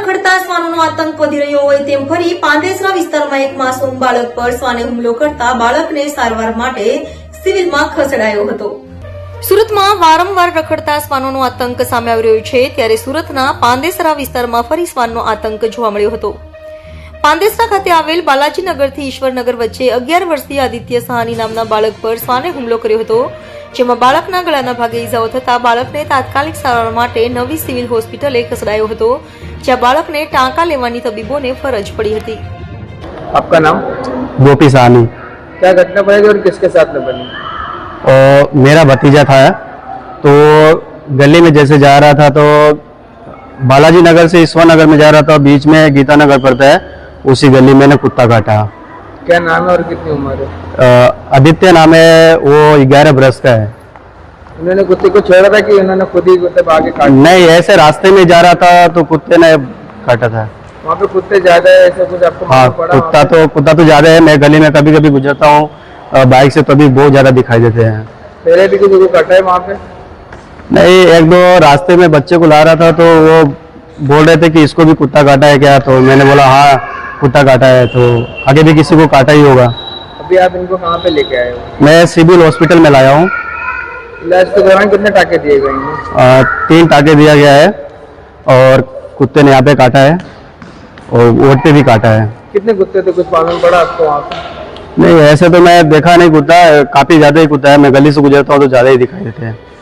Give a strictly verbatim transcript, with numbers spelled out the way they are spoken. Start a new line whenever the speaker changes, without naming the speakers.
રખડતા શ્વાનોનો આતંક વધી રહ્યો હોય તેમ ફરી પાંદેસરા વિસ્તારમાં એક માસૂમ બાળક પર શ્વાને હુમલો કરતા બાળકને સારવાર માટે સિવિલમાં ખસેડાયો હતો. સુરતમાં વારંવાર રખડતા શ્વાનોનો આતંક સામે આવી રહ્યો છે, ત્યારે સુરતના પાંદેસરા વિસ્તારમાં ફરી શ્વાનનો આતંક જોવા મળ્યો હતો. પાંદેસરા ખાતે આવેલ બાલાજીનગરથી ઈશ્વરનગર વચ્ચે અગિયાર વર્ષીય આદિત્ય સહાની નામના બાળક પર શ્વાને હુમલો કર્યો હતો, જેમાં બાળકના ગળાના ભાગે ઈજાઓ થતા બાળકને તાત્કાલિક સારવાર માટે નવી સિવિલ હોસ્પિટલે ખસેડાયો હતો, જ્યાં બાળકને ટાંકા લેવાની તબીબોને ફરજ પડી હતી.
आपका नाम?
गोपी साहनी.
क्या घटना बनी और किसके साथ में बनी?
और मेरा भतीजा था, तो गली में जैसे जा रहा था तो बालाजी नगर से ईश्वर नगर में जा रहा था, बीच में गीता नगर पड़ता है, उसी गली में ने कुत्ता काटा.
क्या नाम है और कितनी उम्र है?
आदित्य नाम है, वो ग्यारह बरस का है.
उन्होंने कुत्ते को छोड़ा था कि उन्होंने खुद ही कुत्ते आगे काट?
नहीं, ऐसे रास्ते में जा रहा था तो कुत्ते ने काटा था.
वहाँ पे कुत्ते ज्यादा है, ऐसा कुछ आपको
हाँ,
मालूम पड़ा?
कुत्ता तो कुत्ता तो ज्यादा है. मैं गली में कभी कभी गुजरता हूँ बाइक से, तभी बहुत ज्यादा दिखाई देते हैं.
पहले भी किसी को काटा है वहाँ पे?
नहीं, एक दो रास्ते में बच्चे को ला रहा था तो वो बोल रहे थे कि इसको भी कुत्ता काटा है क्या, तो मैंने बोला हाँ कुत्ता काटा है, तो आगे भी किसी को काटा ही होगा.
अभी आप इनको कहाँ पे लेके आए हो?
मैं सिविल हॉस्पिटल में लाया हूँ.
इलाज के दौरान कितने टाके दिए गए हैं?
तीन टाके दिया गया है और कुत्ते ने यहाँ पे काटा है और वोट पे भी काटा है.
कितने कुत्ते थे, कुछ मालूम पड़ा आपको वहाँ पे?
नहीं, ऐसे तो मैं देखा नहीं कुत्ता, काफी ज्यादा ही कुत्ता है. मैं गली से गुजरता हूँ तो ज्यादा ही दिखाई देते हैं.